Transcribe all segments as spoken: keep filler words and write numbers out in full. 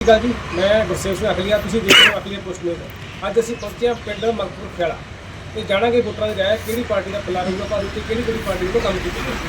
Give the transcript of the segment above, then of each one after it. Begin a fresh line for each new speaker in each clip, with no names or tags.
ਗੱਲ ਜੀ ਮੈਂ ਗੁਰਸੇਵ ਸਿੰਘ ਅਕਲੀਆ ਤੁਸੀਂ ਦੇਖ ਰਹੇ ਹੋ ਅਕਲੀਆ ਪੋਸਟ ਨਿਊਜ਼। ਅੱਜ ਅਸੀਂ ਪਹੁੰਚੇ ਹਾਂ ਪਿੰਡ ਮਲਕਪੁਰ ਖੇੜਾ ਤੇ ਜਾਣਾਂਗੇ ਵੋਟਰਾਂ ਦੇ ਰਾਏ ਕਿਹੜੀ ਪਾਰਟੀ ਦਾ ਪੱਲਾ ਰਹੂਗਾ ਪਰ ਉੱਤੇ ਕਿਹੜੀ ਕਿਹੜੀ ਪਾਰਟੀ ਵੱਲੋਂ ਕੰਮ ਕੀਤੇ ਜਾਣਗੇ।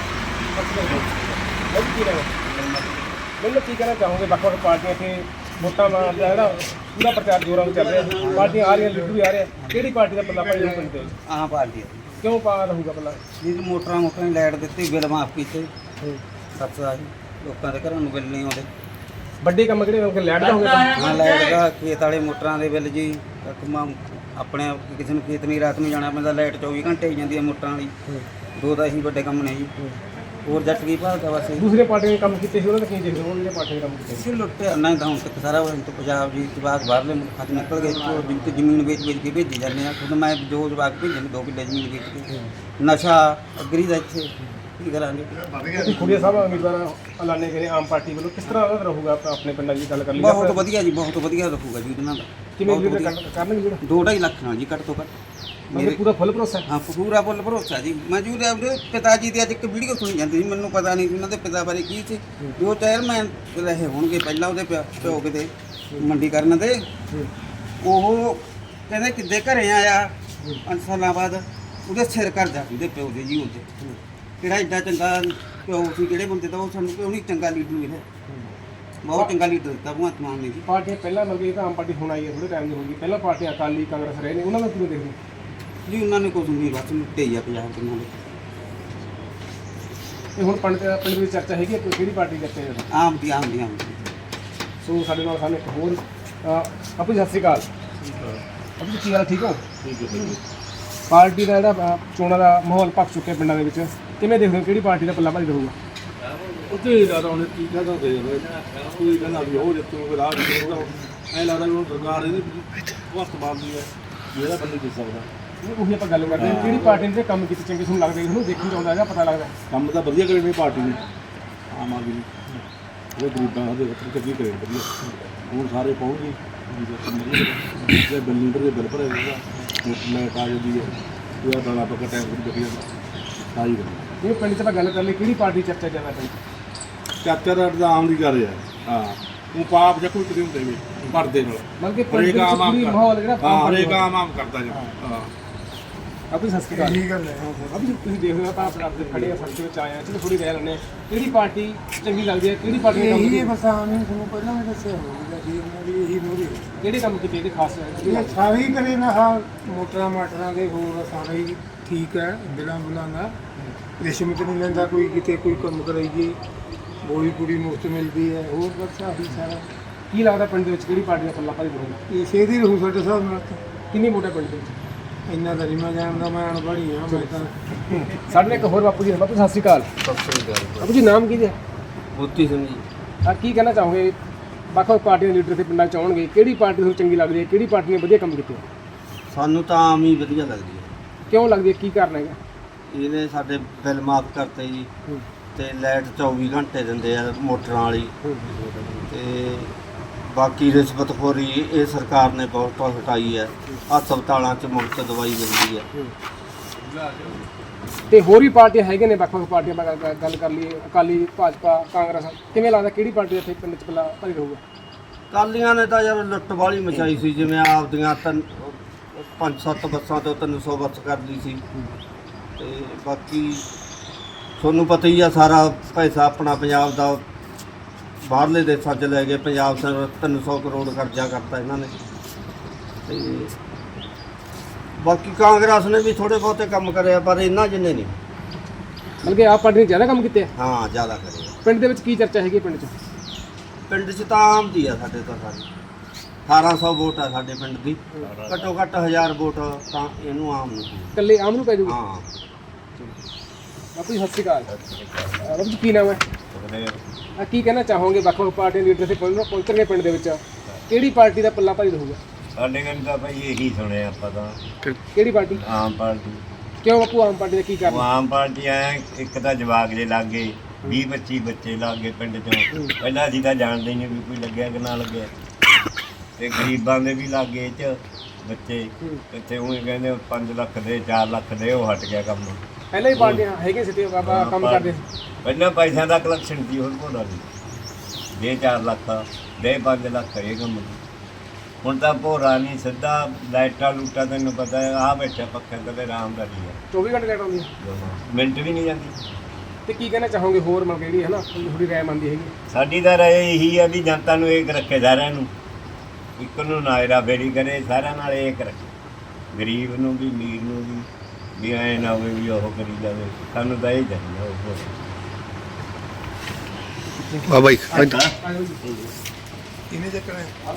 ਕੀ ਰਹਿਣਾ ਮੈਨੂੰ ਕੀ ਕਹਿਣਾ ਚਾਹੋਗੇ ਵੱਖ-ਵੱਖ ਪਾਰਟੀਆਂ ਇੱਥੇ ਵੋਟਾਂ ਦਾ ਜਿਹੜਾ ਪੂਰਾ ਪ੍ਰਚਾਰ ਜ਼ੋਰਾਂ ਨਾਲ ਚੱਲ ਰਿਹਾ ਪਾਰਟੀਆਂ ਆ ਰਹੀਆਂ ਲੀਡਰ ਵੀ ਆ ਰਹੇ ਕਿਹੜੀ ਪਾਰਟੀ ਦਾ ਪੱਲਾ ਭਾਈ ਪਿੰਡ ਦੇ
ਆਹ ਪਾਰਟੀ
ਕਿਉਂ ਪਾ ਰਹੂਗਾ ਪੱਲਾ
ਜੀ ਮੋਟਰਾਂ ਮੋਟਰਾਂ ਦੀ ਲਾਈਟ ਦਿੱਤੀ ਬਿੱਲ ਮਾਫ ਕੀਤੇ ਸਬਸਿਡੀ ਲੋਕਾਂ ਦੇ ਘਰਾਂ ਨੂੰ ਬਿੱਲ ਨਹੀਂ ਆਉਂਦੇ
ਵੱਡੇ ਕੰਮ ਕਿਹੜੇ ਹੋਣਗੇ ਲਾਈਟ ਦਾ ਹੋਊਗਾ
ਹਾਂ ਲਾਈਟ ਦਾ ਖੇਤ ਵਾਲੇ ਮੋਟਰਾਂ ਦੇ ਬਿੱਲ ਜੀ ਆਪਣੇ ਕਿਸੇ ਨੂੰ ਖੇਤ ਨਹੀਂ ਰਾਤ ਨੂੰ ਜਾਣਾ ਪੈਂਦਾ ਲਾਈਟ ਚੌਵੀ ਘੰਟੇ ਹੀ ਜਾਂਦੀ ਹੈ ਮੋਟਰਾਂ ਵਾਲੀ ਦੋ ਤਾਂ ਇਹੀ ਵੱਡੇ ਕੰਮ ਨੇ ਜੀ ਹੋਰ ਜੱਟ ਕੀ ਭਾਲਦਾ ਬਸ
ਦੂਸਰੇ ਪਾਰਟੀਆਂ ਨੇ ਕੰਮ ਕੀਤੇ ਸੀ ਉਹਨਾਂ ਦਾ ਕੀ ਦੇਖਦੇ ਹੋ ਜਿਹੜੇ ਪਾਰਟੀਆਂ ਨੇ ਕੰਮ ਕੀਤੇ
ਸੀ ਲੁੱਟਿਆ ਨਾ ਤਾਂ ਹੁਣ ਤੱਕ ਸਾਰਾ ਤੋਂ ਪੰਜਾਬ ਜੀ ਜਵਾਕ ਬਾਹਰਲੇ ਮੁਲਕਾਂ 'ਚ ਨਿਕਲ ਗਏ ਉਹ ਜਿੰਕ ਜ਼ਮੀਨ ਵੇਚ ਵੇਚ ਕੇ ਭੇਜੀ ਜਾਂਦੇ ਆ ਖੁਦ ਮੈਂ ਜੋ ਜਵਾਕ ਭੇਜੇ ਨੇ ਦੋ ਕਿੱਲੇ ਜ਼ਮੀਨ ਵੇਚ ਕੇ ਨਸ਼ਾ ਅਗਰੀ ਦਾ ਇੱਥੇ ਕੀ ਕਰਾਂਗੇ
ਤੁਸੀਂ ਖੁਰੀਆ ਸਾਹਿਬ ਉਮੀਦਵਾਰ ਐਲਾਨੇ ਕਰੇ ਆਮ ਪਾਰਟੀ ਵੱਲੋਂ ਕਿਸ ਤਰ੍ਹਾਂ ਦਾ ਰਹੂਗਾ ਆਪਣੇ ਪਿੰਡਾਂ ਦੀ ਗੱਲ ਕਰ ਲਈ
ਬਹੁਤ ਵਧੀਆ ਜੀ ਬਹੁਤ ਵਧੀਆ ਰਹੂਗਾ ਜੀ ਉਹਨਾਂ ਦਾ
ਕਿਵੇਂ ਲੀਡਰ ਕਰਨਗੇ ਜਿਹੜਾ
ਦੋ ਢਾਈ ਲੱਖ ਨਾਲ ਜੀ ਘੱਟ ਤੋਂ ਘੱਟ
ਮੇਰੇ ਪੂਰਾ ਫੁੱਲ ਭਰੋਸਾ
ਹਾਂ ਪੂਰਾ ਫੁੱਲ ਭਰੋਸਾ ਜੀ ਮੈਂ ਜੀ ਉਹਦੇ ਪਿਤਾ ਜੀ ਦੀ ਅੱਜ ਇੱਕ ਵੀਡੀਓ ਸੁਣੀ ਜਾਂਦੀ ਸੀ ਮੈਨੂੰ ਪਤਾ ਨਹੀਂ ਉਹਨਾਂ ਦੇ ਪਿਤਾ ਬਾਰੇ ਕੀ ਸੀ ਜੋ ਚੇਅਰਮੈਨ ਰਹੇ ਹੋਣਗੇ ਪਹਿਲਾਂ ਉਹਦੇ ਪਿਓ ਕਿਤੇ ਮੰਡੀ ਕਰਨ ਦੇ ਉਹ ਕਹਿੰਦੇ ਕਿੱਦੇ ਘਰੇ ਆਇਆ ਪੰਜ ਸਾਲਾਂ ਬਾਅਦ ਉਹਦੇ ਸਿਰ ਕਰ ਜਾ ਉਹਦੇ ਪਿਓ ਦੇ ਜੀ ਉਹਦੇ ਕਿਹੜਾ ਇੱਡਾ ਚੰਗਾ ਪਿਓ ਸੀ ਕਿਹੜੇ ਬੰਦੇ ਦਾ ਉਹ ਸਾਨੂੰ ਕਿਉਂ ਨਹੀਂ ਚੰਗਾ ਲੀਡਰ ਮਿਲਿਆ ਬਹੁਤ ਚੰਗਾ ਲੀਡਰ ਦਿੱਤਾ ਭਗਵੰਤ ਮਾਨ ਨੇ ਜੀ
ਪਾਰਟੀਆਂ ਪਹਿਲਾਂ ਮਤਲਬ ਇਹ ਤਾਂ ਆਮ ਪਾਰਟੀ ਹੁਣ ਆਈ ਹੈ ਥੋੜੇ ਟਾਈਮ ਦੀ ਹੋ ਗਈ ਪਹਿਲਾਂ ਪਾਰਟੀਆਂ ਅਕਾਲੀ ਕਾਂਗਰਸ ਰਹੇ ਨੇ ਉਹਨਾਂ ਨੂੰ ਕਿਵੇਂ ਦੇਖਦੇ
ਜੀ ਉਹਨਾਂ ਨੇ ਕੁਝ ਨਹੀਂ ਬਸ ਲੁੱਟੇ ਹੀ ਆ ਪੰਜਾਬ ਦੇ ਨਾਲ
ਇਹ ਹੁਣ ਪਿੰਡ ਪਿੰਡ ਦੀ ਚਰਚਾ ਹੈਗੀ ਕਿ ਕਿਹੜੀ ਪਾਰਟੀ ਦੀ ਚਰਚਾ ਹੈ
ਆਮ ਦੀ ਆਮ ਦੀ ਆਮ ਦੀ
ਸੋ ਸਾਡੇ ਨਾਲ ਸਾਨੂੰ ਇੱਕ ਹੋਰ ਆਪੂ ਸਤਿ ਸ਼੍ਰੀ ਅਕਾਲ ਆਪੂ ਕੀ ਹਾਲ ਠੀਕ ਹੋ ਠੀਕ ਹੈ ਪਾਰਟੀ ਦਾ ਜਿਹੜਾ ਚੋਣਾਂ ਦਾ ਮਾਹੌਲ ਪੱਕ ਚੁੱਕਿਆ ਪਿੰਡਾਂ ਦੇ ਵਿੱਚ ਕਿਵੇਂ ਦੇਖਦੇ ਹੋ ਕਿਹੜੀ ਪਾਰਟੀ ਦਾ ਪੱਲਾ ਭਾਰੀ ਰਹੂਗਾ
ਉੱਥੇ ਜ਼ਿਆਦਾ ਉਹਨੇ ਕੀ ਕਹਿੰਦਾ ਦੇ ਕੋਈ ਕਹਿੰਦਾ ਵੀ ਉਹ ਜਿੱਤੂ ਕੋਈ ਰਾਹ ਨਹੀਂ ਉਹਦਾ ਐਂ ਲੱਗਦਾ ਵੀ ਉਹ ਸਰਕਾਰ ਇਹਦੀ ਵਕਤ ਬਾਲਦੀ ਹੈ ਜਿਹੜਾ ਬੰਦੇ ਜਿੱਤ ਸਕਦਾ
ਉਹੀ ਆਪਾਂ ਗੱਲ ਕਰਦੇ ਹਾਂ ਕਿਹੜੀ ਪਾਰਟੀ ਨੇ ਕੰਮ ਕੀਤੇ ਚੰਗੇ ਤੁਹਾਨੂੰ ਲੱਗਦੇ ਤੁਹਾਨੂੰ ਦੇਖਣ ਚ ਆਉਂਦਾ ਹੈਗਾ ਪਤਾ ਲੱਗਦਾ
ਕੰਮ ਤਾਂ ਵਧੀਆ ਕਰੇ ਨੇ ਪਾਰਟੀ ਨੇ ਆਮ ਆਦਮੀ ਨੇ ਉਹ ਗਰੀਬਾਂ ਦੇ ਵਿੱਚ ਚੰਗੀ ਕਰੇ ਵਧੀਆ ਹੁਣ ਸਾਰੇ ਪਹੁੰਚ ਗਏ ਜੇ ਬਿੱਲ ਲੀਡਰ ਦੇ ਬਿੱਲ ਭਰੇ ਹੋਗਾ ਲਾਈਟ ਆ ਜਾਂਦੀ ਹੈ ਉਹਦਾ ਦਾਣਾ ਪੱਕਾ ਟਾਈਮ ਤੋਂ ਦੇਖੀ ਜਾਂਦਾ ਸਾਰੀ ਗੱਲ
ਇਹ ਪਿੰਡ 'ਚ ਆਪਾਂ ਗੱਲ ਕਰ ਲਈ ਕਿਹੜੀ ਪਾਰਟੀ ਚਰਚਾ ਜ਼ਿਆਦਾ ਪਈ
ਚਾਚਾ ਦਾ ਤਾਂ ਆਮ ਦੀ ਕਰ ਰਿਹਾ ਹਾਂ ਉਹ ਪਾਪ ਜਾਂ ਕੋਈ ਕਿਤੇ ਹੁੰਦੇ ਵੀ ਪਰਦੇ ਨਾਲ
ਮਤਲਬ ਕਿ ਪਿੰਡ ਦੇ ਵਿੱਚ ਪੂਰੀ ਮਾਹੌਲ ਜਿਹੜਾ
ਹਾਂ ਹਰੇਕ ਆਮ ਆਮ ਕਰਦਾ ਜੀ ਹਾਂ
ਆਪਣੀ ਸਤਿ ਸ਼੍ਰੀ ਅਕਾਲ ਠੀਕ ਹੈ ਅਭੀ ਤੁਸੀਂ ਦੇਖ ਰਹੇ ਹੋ ਤਾਂ ਆਪਣੇ ਆਪ ਦੇ ਖੜੇ ਆ ਸੜਕ ਵਿੱਚ ਆਏ ਆ ਚਲੋ ਥੋੜੀ ਰਹਿ ਲੈਣੇ ਕਿਹੜੀ ਪਾਰਟੀ ਚੰਗੀ ਲੱਗਦੀ ਹੈ ਕਿਹੜੀ ਪਾਰਟੀ ਨੇ ਕੰਮ
ਇਹ ਬਸ ਆਮ ਹੀ ਤੁਹਾਨੂੰ ਪਹਿਲਾਂ ਵੀ ਦੱਸਿਆ ਹੋਊਗਾ ਜੀ ਇਹਨਾਂ ਦੀ ਇਹੀ ਮੋਰੀ
ਕਿਹੜੇ ਕੰਮ ਕੀਤੇ ਇਹਦੇ ਖਾਸ
ਇਹ ਸਾਰੇ ਹੀ ਕਰੇ ਨਾ ਹਾਂ ਮੋਟਰਾਂ ਮਾਟਰਾਂ ਦੇ ਹੋਰ ਸਾਰੇ ਹੀ ਠੀਕ ਹੈ ਬਿਲਾਂ ਬੁਲਾਂ ਦਾ ਰਿਸ਼ਵਤ ਨਹੀਂ ਲੈਂਦਾ ਕੋਈ ਕਿਤੇ ਕੋਈ ਕੰਮ ਕਰਾਈਏ ਬੋਲੀ ਪੂਰੀ ਮੁਫਤ ਮਿਲਦੀ ਹੈ ਹੋਰ ਬਸ ਆਹੀ ਸਾਰਾ
ਕੀ ਲੱਗਦਾ ਪਿੰਡ ਦੇ ਵਿੱਚ ਕਿਹੜੀ ਪਾਰਟੀ ਦਾ ਪੱਲਾ ਭਾਰੀ ਰਹੂਗਾ
ਇਹ ਸੇਧ ਹੀ ਰਹੂ ਸਾਡੇ ਹਿਸਾਬ ਨਾਲ
ਕਿੰਨੀ ਵੋਟਾਂ ਪਿੰਡ ਦੇ ਵਿੱਚ
ਇੰਨਾ ਤਾਂ ਨਹੀਂ ਮੈਂ ਜਾਣਦਾ ਮੈਂ ਅਨਪੜ੍ਹੀ ਹਾਂ ਮੈਂ ਤਾਂ
ਸਾਡੇ ਨਾਲ ਇੱਕ ਹੋਰ ਬਾਪੂ ਜੀ ਬਾਪੂ ਸਤਿ ਸ਼੍ਰੀ ਅਕਾਲ
ਸਤਿ ਸ੍ਰੀ ਅਕਾਲ
ਬਾਪੂ ਜੀ ਨਾਮ ਕੀ ਹੈ
ਮੋਤੀ ਸਿੰਘ ਜੀ
ਆ ਕੀ ਕਹਿਣਾ ਚਾਹੋਗੇ ਵੱਖ-ਵੱਖ ਪਾਰਟੀਆਂ ਦੇ ਲੀਡਰ ਤੇ ਪਿੰਡਾਂ 'ਚ ਆਉਣਗੇ ਕਿਹੜੀ ਪਾਰਟੀ ਤੁਹਾਨੂੰ ਚੰਗੀ ਲੱਗਦੀ ਹੈ ਕਿਹੜੀ ਪਾਰਟੀ ਨੇ ਵਧੀਆ ਕੰਮ ਕੀਤੇ
ਸਾਨੂੰ ਤਾਂ ਆਮ ਹੀ ਵਧੀਆ ਲੱਗਦੀ ਹੈ
ਕਿਉਂ ਲੱਗਦੀ ਹੈ ਕੀ ਕਾਰਨ ਹੈਗਾ
ਇਹਨੇ ਸਾਡੇ ਬਿੱਲ ਮਾਫ ਕਰਤੇ ਜੀ ਤੇ ਲਾਈਟ ਚੌਵੀ ਘੰਟੇ ਦਿੰਦੇ ਆ ਮੋਟਰਾਂ ਵਾਲੀ ਤੇ ਬਾਕੀ ਰਿਸ਼ਵਤਖੋਰੀ ਇਹ ਸਰਕਾਰ ਨੇ ਬਹੁਤ ਹਟਾਈ ਹੈ ਹਸਪਤਾਲਾਂ 'ਚ ਮੁਫਤ ਦਵਾਈ ਮਿਲਦੀ ਹੈ
ਤੇ ਹੋਰ ਵੀ ਪਾਰਟੀਆਂ ਹੈਗੇ ਨੇ ਵੱਖ-ਵੱਖ ਪਾਰਟੀਆਂ ਆਪਾਂ ਗੱਲ- ਗੱਲ ਕਰ ਲਈਏ ਅਕਾਲੀ ਭਾਜਪਾ ਕਾਂਗਰਸ ਕਿਵੇਂ ਲੱਗਦਾ ਕਿਹੜੀ ਪਾਰਟੀ ਇੱਥੇ ਪਿੰਡ 'ਚ ਪੱਲਾ ਭਾਰੀ ਰਹੂਗਾ
ਕਾਲੀਆਂ ਨੇ ਤਾਂ ਯਾਰ ਲੁੱਟ ਵਾਲੀ ਮਚਾਈ ਸੀ ਜਿਵੇਂ ਆਪਦੀਆਂ ਤਿੰਨ ਪੰਜ ਸੱਤ ਬੱਸਾਂ ਤੋਂ ਤਿੰਨ ਸੌ ਬੱਸ ਕਰਦੀ ਸੀ ਤੇ ਬਾਕੀ ਤੁਹਾਨੂੰ ਪਤਾ ਹੀ ਆ ਸਾਰਾ ਪੈਸਾ ਆਪਣਾ ਪੰਜਾਬ ਦਾ ਬਾਹਰਲੇ ਦੇਸ਼ਾਂ 'ਚ ਲੈ ਗਏ ਪੰਜਾਬ ਸਰ ਤਿੰਨ ਸੌ ਕਰੋੜ ਕਰਜ਼ਾ ਕਰਤਾ ਇਹਨਾਂ ਨੇ ਤੇ ਬਾਕੀ ਕਾਂਗਰਸ ਨੇ ਵੀ ਥੋੜ੍ਹੇ ਬਹੁਤੇ ਕੰਮ ਕਰਿਆ ਪਰ ਇੰਨਾ ਜਿੰਨੇ ਨਹੀਂ
ਮਤਲਬ ਕਿ ਆਪ ਪਾਰਟੀ ਨੇ ਜ਼ਿਆਦਾ ਕੰਮ ਕੀਤੇ ਆ
ਹਾਂ ਜ਼ਿਆਦਾ ਕਰਿਆ
ਪਿੰਡ ਦੇ ਵਿੱਚ ਕੀ ਚਰਚਾ ਹੈਗੀ ਪਿੰਡ 'ਚ
ਪਿੰਡ 'ਚ ਤਾਂ ਆਮ ਦੀ ਆ ਸਾਡੇ ਤਾਂ ਸਾਰੀ ਅਠਾਰਾਂ ਸੌ ਵੋਟ ਆ ਸਾਡੇ ਪਿੰਡ ਦੀ ਘੱਟੋ ਘੱਟ ਹਜ਼ਾਰ ਵੋਟ ਤਾਂ ਇਹਨੂੰ ਆਮ ਨੂੰ
ਇਕੱਲੇ ਆਮ ਨੂੰ ਪੈ ਜਾਊਗਾ
ਹਾਂ
ਬਾਪੂ ਜੀ ਸਤਿ ਸ਼੍ਰੀ ਅਕਾਲ ਬਾਪੂ ਜੀ ਕੀ ਨਾਮ ਹੈ ਆ ਕੀ ਕਹਿਣਾ ਚਾਹੋਗੇ ਵੱਖ-ਵੱਖ ਪਾਰਟੀਆਂ ਦੇ ਲੀਡਰ ਤੇ ਪਹੁੰਚਣਗੇ ਪਿੰਡ ਦੇ ਵਿੱਚ ਕਿਹੜੀ ਪਾਰਟੀ ਦਾ ਪੱਲਾ ਭਾਰੀ ਰਹੂਗਾ
ਸਾਡੇ ਕੰਨ ਤਾਂ ਭਾਈ ਇਹੀ ਸੁਣਿਆ ਆਪਾਂ ਤਾਂ
ਕਿਹੜੀ ਪਾਰਟੀ
ਆਮ ਪਾਰਟੀ
ਕਿਉਂ ਬਾਪੂ ਆਮ ਪਾਰਟੀ ਦਾ ਕੀ
ਉਹ
ਕਾਰਨ
ਆਮ ਪਾਰਟੀ ਐ ਇੱਕ ਤਾਂ ਜਵਾਕ ਜੇ ਲੱਗੇ ਵੀਹ ਪੱਚੀ ਬੱਚੇ ਲੱਗੇ ਪਿੰਡ ਚੋਂ ਪਹਿਲਾਂ ਅਸੀਂ ਤਾਂ ਜਾਣਦੇ ਹੀ ਨਹੀਂ ਵੀ ਕੋਈ ਲੱਗਿਆ ਕਿ ਨਾ ਲੱਗਿਆ ਤੇ ਗਰੀਬਾਂ ਦੇ ਵੀ ਲੱਗੇ ਇਹ 'ਚ ਬੱਚੇ ਇੱਥੇ ਉਹ ਕਹਿੰਦੇ ਪੰਜ ਲੱਖ ਦੇ ਚਾਰ ਲੱਖ ਦੇ ਉਹ ਹਟ ਗਿਆ ਕੰਮ
ਪਹਿਲਾਂ ਹੀ ਪਾਰਟੀਆਂ ਹੈਗੇ ਸੀ ਤੇ ਬਾਬਾ ਕੰਮ ਕਰਦੇ ਸੀ
ਪਹਿਲਾਂ ਪੈਸਿਆਂ ਦਾ ਕਲੈਕਸ਼ਨ ਸੀ ਹੁਣ ਕੋਲ ਨਹੀਂ ਦੇ ਚਾਰ ਲੱਖ ਦੇ ਪੰਜ ਲੱਖ ਇਹ ਕੰਮ ਦੀ। ਹੁਣ ਤਾਂ ਭੋਰਾ ਨਹੀਂ ਸਿੱਧਾ ਲਾਈਟਾਂ ਲੂਟਾਂ ਤੈਨੂੰ ਪਤਾ ਹੈ ਆਹ ਬੈਠਾ ਪੱਖੇ ਤੇ ਆਰਾਮ ਦਾ ਹੀ ਹੈ
ਚੌਵੀ ਘੰਟੇ ਲਾਈਟ ਆਉਂਦੀ ਹੈ
ਮਿੰਟ ਵੀ ਨਹੀਂ ਜਾਂਦੀ।
ਤੇ ਕੀ ਕਹਿਣਾ ਚਾਹੋਗੇ ਹੋਰ ਮਤਲਬ ਜਿਹੜੀ ਹੈ ਨਾ ਥੋੜੀ ਰਾਏ ਮੰਨਦੀ ਹੈਗੀ?
ਸਾਡੀ ਤਾਂ ਰਾਏ ਇਹੀ ਹੈ ਵੀ ਜਨਤਾ ਨੂੰ ਇੱਕ ਰੱਖੇ ਸਾਰਿਆਂ ਨੂੰ, ਇੱਕ ਨੂੰ ਨਾਇਰਾ ਬੇੜੀ ਕਰੇ ਸਾਰਿਆਂ ਨਾਲ ਇੱਕ ਰੱਖੇ, ਗਰੀਬ ਨੂੰ ਵੀ ਅਮੀਰ ਨੂੰ ਵੀ ਵੀ ਐਂ ਨਾ ਹੋਵੇ ਵੀ ਉਹ ਕਰੀ ਜਾਵੇ। ਸਾਨੂੰ ਤਾਂ ਇਹ ਚਾਹੀਦਾ ਉਹ
ਵਾਹ ਬਾਈ
ਇਹਨੇ ਚੱਕਣਾ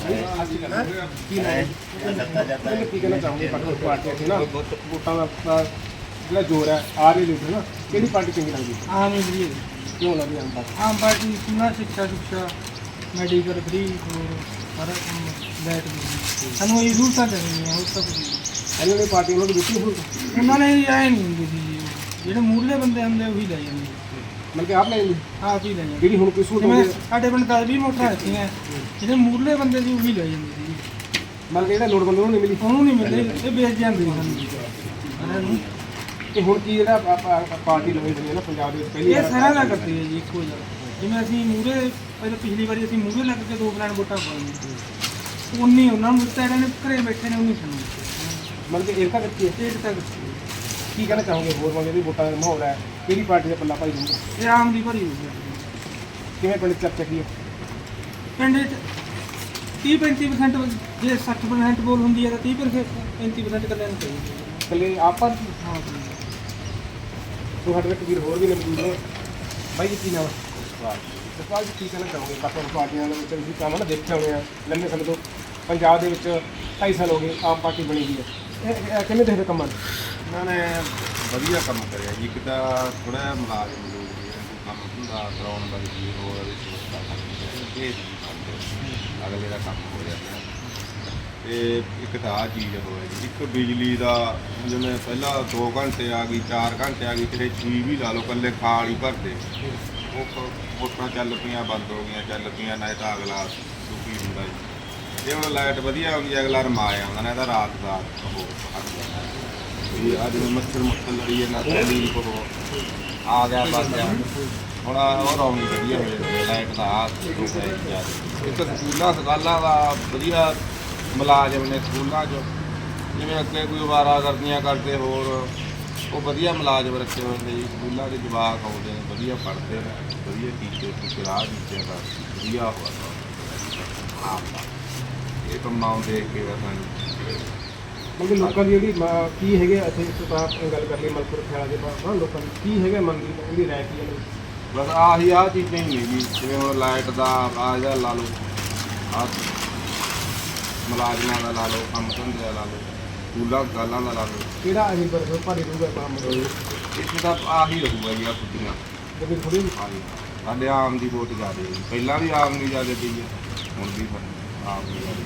ਕੀ ਨਾ ਕੀ ਕਹਿਣਾ ਚਾਹੋਗੇ ਪਾਰਟੀ ਪਾਰਟੀ ਇੱਥੇ ਨਾ ਵੋਟਾਂ ਦਾ ਦਾ ਜਿਹੜਾ ਜ਼ੋਰ ਹੈ ਆ ਰਹੀ ਲੀਡਰ ਨਾ ਕਿਹੜੀ ਪਾਰਟੀ ਚੰਗੀ ਲੱਗਦੀ?
ਆਮ ਜੀ
ਕਿਉਂ ਲੱਗਦੀ ਆਮ ਪਾਰਟੀ?
ਆਮ ਪਾਰਟੀ ਨਾ ਸਿੱਖਿਆ ਸੁੱਖਿਆ ਮੈਡੀਕਲ ਫ੍ਰੀ ਹੋਰ ਸਾਰਾ ਕੰਮ ਲਾਈਟ ਵੀ ਸਾਨੂੰ ਇਹ ਸਹੂਲਤਾਂ ਦੇਣੀਆਂ ਹੋਰ ਤਾਂ ਕੁਝ ਨਹੀਂ।
ਇਹਨਾਂ ਨੇ ਪਾਰਟੀ ਉਹਨਾਂ ਨੂੰ ਦਿੱਤੀ ਹੁਣ
ਉਹਨਾਂ ਨੇ ਆਏ ਨਹੀਂ ਹੁੰਦੀ ਸੀ ਜਿਹੜੇ ਮੂਹਰਲੇ ਬੰਦੇ ਹੁੰਦੇ ਉਹੀ ਲੈ ਜਾਂਦੇ
ਮਤਲਬ ਕਿ ਆਪ ਲੈ ਜਾਂਦੀ
ਆਪ ਹੀ ਲੈ ਜਾਂਦੇ
ਜਿਹੜੀ ਹੁਣ ਕੋਈ ਸਹੂਲਤ
ਜਿਵੇਂ
ਹੁੰਦੀ ਹੈ,
ਸਾਡੇ ਪਿੰਡ ਦਸ ਵੀਹ ਮੋਟਰਾਂ ਰੱਖੀਆਂ ਜਿਹੜੇ ਮੂਹਰਲੇ ਬੰਦੇ ਸੀ ਉਹੀ ਲੈ ਜਾਂਦੇ ਸੀ
ਮਤਲਬ ਕਿ ਜਿਹੜਾ ਲੋੜਵੰਦ ਨੂੰ ਨਹੀਂ ਮਿਲੀ।
ਉਹਨੂੰ ਨਹੀਂ ਮਿਲਦੇ ਇਹ ਵੇਚ ਜਾਂਦੇ ਸੀ ਸਾਨੂੰ ਸਾਰਿਆਂ ਨੂੰ।
ਤੇ ਹੁਣ ਕੀ ਜਿਹੜਾ ਆਪ- ਆਪ- ਪਾਰਟੀ ਲਵੇ ਹੋਈ ਹੈ ਨਾ ਪੰਜਾਬ ਦੇ ਵਿੱਚ ਪਹਿਲੀ
ਇਹ
ਵਾਰ
ਸਾਰਿਆਂ ਦਾ ਕਰਦੇ ਹੈ ਜੀ ਇੱਕੋ ਜਿਹਾ ਜਿਵੇਂ ਅਸੀਂ ਮੂਹਰੇ ਪਹਿਲਾਂ ਪਿਛਲੀ ਵਾਰੀ ਅਸੀਂ ਮੂਹਰੇ ਲੱਗ ਕੇ ਦੋ ਪਲਾਨ ਵੋਟਾਂ ਪਾਈਆਂ ਉਨੀ ਉਹਨਾਂ ਨੂੰ ਦਿੱਤਾ ਇਹਨਾਂ ਨੇ ਘਰੇ ਬੈਠੇ ਨੇ ਉਨੀ ਸਾਨੂੰ
ਮਤਲਬ ਕਿ ਏਕਤਾ ਕੀਤੀ ਹੈ।
ਸਟੇਟ ਤੱਕ
ਕੀ ਕਹਿਣਾ ਚਾਹੋਗੇ ਹੋਰ ਮਤਲਬ ਜਿਹੜੀ ਵੋਟਾਂ ਦਾ ਮਾਹੌਲ ਹੈ ਕਿਹੜੀ ਪਾਰਟੀ ਦਾ ਪੱਲਾ ਭਾਈ ਦੂੰਗਾ?
ਇਹ ਆਮ ਦੀ ਭਰੀ ਹੋਈ ਹੈ
ਕਿਵੇਂ ਪਿੰਡ 'ਚ ਚਰਚਾ ਕੀ ਹੈ?
ਪਿੰਡ 'ਚ ਤੀਹ ਪੈਂਤੀ ਪਰਸੈਂਟ ਜੇ ਸੱਠ ਪਰਸੈਂਟ ਬੋਲ ਹੁੰਦੀ ਹੈ ਤਾਂ ਤੀਹ ਪੈਂਤੀ ਪਰਸੈਂਟ ਕੱਲਿਆਂ ਨੂੰ ਚਾਹੀਦੀ ਹੈ।
ਇਕੱਲੇ ਆਪ ਪਰ
ਹਾਂ ਜੀ।
ਤੁਹਾਡੇ ਵਿੱਚ ਵੀਰ ਹੋਰ ਵੀ ਨੇ ਮੌਜੂਦ ਨੇ ਬਾਈ ਜੀ ਕੀ ਨਾਮ ਹੈ? ਸਵਾਲ ਜੀ ਕੀ ਕਹਿਣਾ ਚਾਹੋਗੇ ਬਾਕੀ ਪਾਰਟੀਆਂ ਦੇ ਵਿੱਚ ਤੁਸੀਂ ਕੰਮ ਨਾ ਦੇਖੇ ਹੋਣੇ ਆ ਲੰਮੇ ਸਮੇਂ ਤੋਂ ਪੰਜਾਬ ਦੇ ਵਿੱਚ ਢਾਈ ਸਾਲ ਹੋ ਗਏ ਆਮ ਪਾਰਟੀ ਬਣੀ ਹੋਈ ਹੈ ਇਹ ਇਹ ਕਿਵੇਂ ਦੇਖਦੇ ਕੰਮਾਂ ਨੂੰ?
ਇਹਨਾਂ ਨੇ ਵਧੀਆ ਕੰਮ ਕਰਿਆ ਜੀ। ਇੱਕ ਤਾਂ ਥੋੜ੍ਹਾ ਜਿਹਾ ਮੁਲਾਜ਼ਮ ਲੋਕ ਜਿਹੜੇ ਕੋਈ ਕੰਮ ਧੰਦਾ ਕਰਾਉਣ ਦਾ ਵੀ ਹੋਰ ਉਹਦੀ ਸੋਚਦਾ ਇਹ ਅਗਲੇ ਦਾ ਕੰਮ ਹੋ ਜਾਂਦਾ ਤੇ ਇੱਕ ਤਾਂ ਆਹ ਚੀਜ਼ ਹੋਇਆ ਜੀ। ਇੱਕ ਬਿਜਲੀ ਦਾ ਜਿਵੇਂ ਪਹਿਲਾਂ ਦੋ ਘੰਟੇ ਆ ਗਈ ਚਾਰ ਘੰਟੇ ਆ ਗਈ ਕਿਤੇ ਛੇ ਵੀ ਲਾ ਲਓ ਇਕੱਲੇ ਖਾਲ ਹੀ ਭਰਦੇ ਉਹ ਮੋਟਰਾਂ ਚੱਲ ਪਈਆਂ ਬੰਦ ਹੋ ਗਈਆਂ ਚੱਲ ਪਈਆਂ ਨਾ ਤਾਂ ਅਗਲਾ ਦੁਖੀ ਹੁੰਦਾ ਜੀ। ਜੇ ਹੁਣ ਲਾਈਟ ਵਧੀਆ ਆਉਂਦੀ ਅਗਲਾ ਰਮਾ ਆਉਂਦਾ ਨਾ ਇਹਦਾ ਰਾਤ ਦਾ ਉਹ ਹੱਥ ਜਾਂਦਾ ਵੀ ਅੱਜ ਮੱਛਰ ਮੁੱਛਰ ਲੜੀ ਜਾਂਦਾ ਤੇਲੀ ਕੋ ਆ ਗਿਆ ਬਸ ਗਿਆ ਹੁਣ ਉਹ ਰੌਣੀ ਵਧੀਆ ਹੋ ਜਾਂਦੀ ਲਾਈਟ ਦਾ ਆ ਇੱਕ ਸਕੂਲਾਂ ਸਕਾਲਾਂ ਦਾ ਵਧੀਆ ਮੁਲਾਜ਼ਮ ਨੇ ਸਕੂਲਾਂ 'ਚ ਜਿਵੇਂ ਅੱਗੇ ਕੋਈ ਵਾਰਾ ਕਰਦੀਆਂ ਕਰਦੇ ਹੋਰ ਉਹ ਵਧੀਆ ਮੁਲਾਜ਼ਮ ਰੱਖੇ ਹੋਏ ਨੇ ਜੀ। ਸਕੂਲਾਂ ਦੇ ਜਵਾਕ ਆਉਂਦੇ ਨੇ ਵਧੀਆ ਪੜ੍ਹਦੇ ਨੇ ਵਧੀਆ ਟੀਚਰ ਟੀਚਰ ਆ ਟੀਚਰ ਦਾ ਵਧੀਆ ਹੋਇਆ ਹਾਂ ਇਹ ਕੰਮਾਂ ਨੂੰ ਦੇਖ ਕੇ ਸਾਨੂੰ
ਮਤਲਬ ਕਿ ਲੋਕਾਂ ਦੀ ਜਿਹੜੀ ਮ- ਕੀ ਹੈਗੇ ਇੱਥੇ ਸੁਤਾਪ ਗੱਲ ਕਰ ਲਈ ਮਲਕਪੁਰ ਖਿਆਲਾ ਦੇ ਬਾਅਦ ਨਾ ਲੋਕਾਂ ਦੀ ਕੀ ਹੈਗਾ ਮਨ ਦੀ ਉਹਦੀ ਰਾਏ ਕੀ ਹੈ?
ਬਸ ਆਹੀ ਆਹ ਚੀਜ਼ਾਂ ਹੀ ਨੇ ਜੀ ਜਿਵੇਂ ਹੁਣ ਲਾਈਟ ਦਾ ਆ ਇਹਦਾ ਲਾ ਲਓ ਆਹ ਮੁਲਾਜ਼ਮਾਂ ਦਾ ਲਾ ਲਓ ਕੰਮ ਧੰਦੇ ਦਾ ਲਾ ਲਓ ਸਕੂਲਾਂ ਗਾਲਾਂ ਦਾ ਲਾ ਲਓ
ਕਿਹੜਾ ਅਜੇ ਪਰ ਭਾਰੀ ਰਹੂਗਾ ਕੰਮ
ਇੱਥੇ ਤਾਂ ਆਹੀ ਰਹੂਗਾ ਜੀ ਆ ਕੁੱਤੀਆਂ
ਜਿਵੇਂ ਥੋੜੀ
ਆਹੀ ਸਾਡੇ ਆਮ ਦੀ ਵੋਟ ਜ਼ਿਆਦਾ ਹੈ ਜੀ। ਪਹਿਲਾਂ ਵੀ ਆਮ ਦੀ ਜ਼ਿਆਦਾ ਪਈ ਹੈ ਹੁਣ ਵੀ ਆਮ ਦੀ ਜ਼ਿਆਦਾ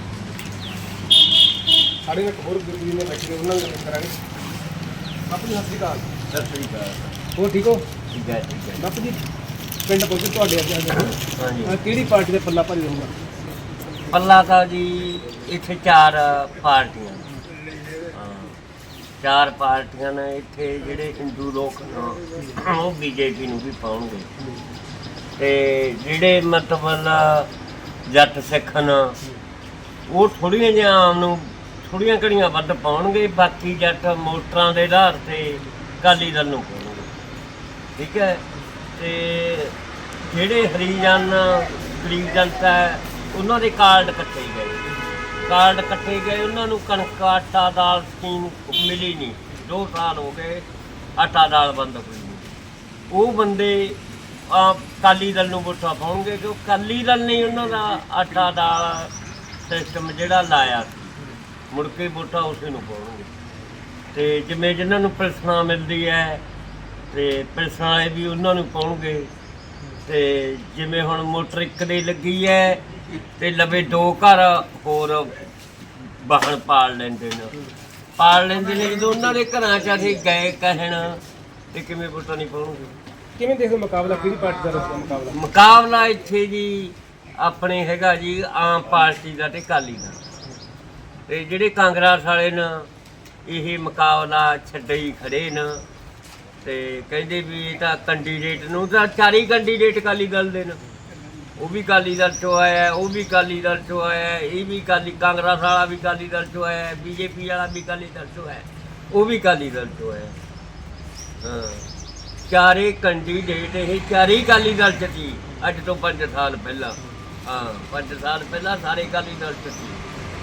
ਸਾਡੇ ਨਾਲ ਇੱਕ ਹੋਰ ਗੁਰੂ ਜੀ ਨੇ ਬੈਠੇ ਨੇ ਉਹਨਾਂ ਨਾਲ ਗੱਲ ਕਰਾਂਗੇ। ਬਾਪੂ ਜੀ ਸਤਿ ਸ਼੍ਰੀ ਅਕਾਲ।
ਸਤਿ ਸ੍ਰੀ ਅਕਾਲ।
ਹੋਰ ਠੀਕ ਹੋ?
ਠੀਕ ਹੈ ਠੀਕ ਹੈ।
ਬਾਪੂ ਜੀ ਪਿੰਡ ਪਹੁੰਚੇ ਤੁਹਾਡੇ ਅੱਜ ਅੱਜ
ਹਾਂਜੀ
ਅਹ ਕਿਹੜੀ ਪਾਰਟੀ ਦਾ ਪੱਲਾ ਭਾਰੀ ਰਹੂਗਾ?
ਪੱਲਾ ਤਾਂ ਜੀ ਇੱਥੇ ਚਾਰ ਪਾਰਟੀਆਂ ਨੇ। ਹਾਂ ਚਾਰ ਪਾਰਟੀਆਂ ਨੇ ਇੱਥੇ ਜਿਹੜੇ ਹਿੰਦੂ ਲੋਕ ਨੇ ਉਹ ਬੀਜੇਪੀ ਨੂੰ ਵੀ ਪਾਉਣਗੇ ਤੇ ਜਿਹੜੇ ਮਤਲਬ ਜੱਟ ਸਿੱਖ ਨੇ ਉਹ ਥੋੜ੍ਹੀਆਂ ਜਿਹੀਆਂ ਆਮ ਨੂੰ ਥੋੜ੍ਹੀਆਂ ਘੜੀਆਂ ਵੱਧ ਪਾਉਣਗੇ। ਬਾਕੀ ਜੱਟ ਮੋਟਰਾਂ ਦੇ ਆਧਾਰ 'ਤੇ ਅਕਾਲੀ ਦਲ ਨੂੰ ਪਾਉਣਗੇ। ਠੀਕ ਹੈ ਤੇ ਜਿਹੜੇ ਹਰੀਜਨ ਗਰੀਬ ਜਨਤਾ ਹੈ ਉਹਨਾਂ ਦੇ ਕਾਰਡ ਕੱਟੇ ਗਏ ਕਾਰਡ ਕੱਟੇ ਗਏ ਉਹਨਾਂ ਨੂੰ ਕਣਕ ਆਟਾ ਦਾਲ ਸਕੀਮ ਮਿਲੀ ਨਹੀਂ। ਦੋ ਸਾਲ ਹੋ ਗਏ ਆਟਾ ਦਾਲ ਬੰਦ ਹੋਈ ਨਹੀਂ। ਉਹ ਬੰਦੇ ਅਕਾਲੀ ਦਲ ਨੂੰ ਵੋਟਾਂ ਪਾਉਣਗੇ ਕਿ ਅਕਾਲੀ ਦਲ ਨੇ ਉਹਨਾਂ ਦਾ ਆਟਾ ਦਾਲ ਸਿਸਟਮ ਜਿਹੜਾ ਲਾਇਆ ਸੀ ਮੁੜ ਕੇ ਵੋਟਾਂ ਉਸੇ ਨੂੰ ਪਾਉਣਗੇ। ਤੇ ਜਿਵੇਂ ਜਿਨ੍ਹਾਂ ਨੂੰ ਪੈਨਸ਼ਨਾਂ ਮਿਲਦੀ ਹੈ ਤੇ ਪੈਨਸ਼ਨਾਂ ਵਾਲੇ ਵੀ ਉਹਨਾਂ ਨੂੰ ਪਾਉਣਗੇ। ਤੇ ਜਿਵੇਂ ਹੁਣ ਮੋਟਰ ਇੱਕ ਦੇ ਲੱਗੀ ਹੈ ਤੇ ਲਵੇ ਦੋ ਘਰ ਹੋਰ ਵਾਹਣ ਪਾਲ ਲੈਂਦੇ ਨੇ ਪਾਲ ਲੈਂਦੇ ਨੇ ਜਦੋਂ ਉਹਨਾਂ ਦੇ ਘਰਾਂ 'ਚ ਅਸੀਂ ਗਏ ਕਹਿਣ ਤੇ ਕਿਵੇਂ ਵੋਟਾਂ ਨਹੀਂ ਪਾਉਣਗੇ।
ਕਿਵੇਂ ਦੇਖਦੇ ਹੋ ਮੁਕਾਬਲਾ ਕਿਹੜੀ ਪਾਰਟੀ ਦਾ ਰਹੂਗਾ ਮੁਕਾਬਲਾ?
ਮੁਕਾਬਲਾ ਇੱਥੇ ਜੀ ਆਪਣੇ ਹੈਗਾ ਜੀ ਆਮ ਪਾਰਟੀ ਦਾ ਤੇ ਅਕਾਲੀ ਦਾ। ਤੇ ਜਿਹੜੇ ਕਾਂਗਰਸ ਵਾਲੇ ਨੇ ਇਹ ਮੁਕਾਬਲਾ ਛੱਡੇ ਹੀ ਖੜੇ ਨੇ ਤੇ ਕਹਿੰਦੇ ਵੀ ਇਹ ਤਾਂ ਕੈਂਡੀਡੇਟ ਨੂੰ ਤਾਂ ਚਾਰੀ ਕੈਂਡੀਡੇਟ ਅਕਾਲੀ ਦਲ ਦੇ ਨੇ ਉਹ ਵੀ ਅਕਾਲੀ ਦਲ ਚੋਂ ਆਇਆ ਹੈ, ਉਹ ਵੀ ਅਕਾਲੀ ਦਲ ਚੋਂ ਆਇਆ ਹੈ, ਇਹ ਵੀ ਅਕਾਲੀ ਕਾਂਗਰਸ ਵਾਲਾ ਵੀ ਅਕਾਲੀ ਦਲ ਚੋਂ ਆਇਆ ਹੈ, ਬੀਜੇਪੀ ਵਾਲਾ ਵੀ ਅਕਾਲੀ ਦਲ ਚੋਂ ਆਇਆ ਹੈ, ਉਹ ਵੀ ਅਕਾਲੀ ਦਲ ਚੋਂ ਆਇਆ ਹੈ। ਹਾਂ ਚਾਰੇ ਕੈਂਡੀਡੇਟ ਇਹ ਚਾਰੇ ਹੀ ਅਕਾਲੀ ਦਲ ਚ ਸੀ ਅੱਜ ਤੋਂ ਪੰਜ ਸਾਲ ਪਹਿਲਾਂ। ਹਾਂ ਪੰਜ ਸਾਲ ਪਹਿਲਾਂ ਸਾਰੇ ਅਕਾਲੀ ਦਲ ਚ ਸੀ।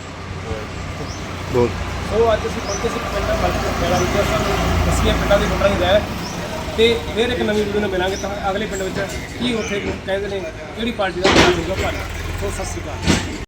ਸੋ ਅੱਜ ਅਸੀਂ ਪਹੁੰਚੇ ਸੀ ਪਿੰਡ ਮਲਕਪੁਰਾ ਵਿੱਚ ਸਾਨੂੰ ਦੱਸੀਏ ਪਿੰਡਾਂ ਦੇ ਵੋਟਰਾਂ ਦੀ ਰਾਏ ਤੇ ਫਿਰ ਇੱਕ ਨਵੀਂ ਵੀਡੀਓ ਨੂੰ ਮਿਲਾਂਗੇ ਤਾਂ ਅਗਲੇ ਪਿੰਡ ਵਿੱਚ ਕੀ ਉੱਥੇ ਲੋਕ ਕਹਿੰਦੇ ਨੇ ਕਿਹੜੀ ਪਾਰਟੀ ਦਾ ਚੋਣ ਹੋਊਗਾ ਭਾਰੀ। ਸੋ ਸਤਿ ਸ਼੍ਰੀ ਅਕਾਲ।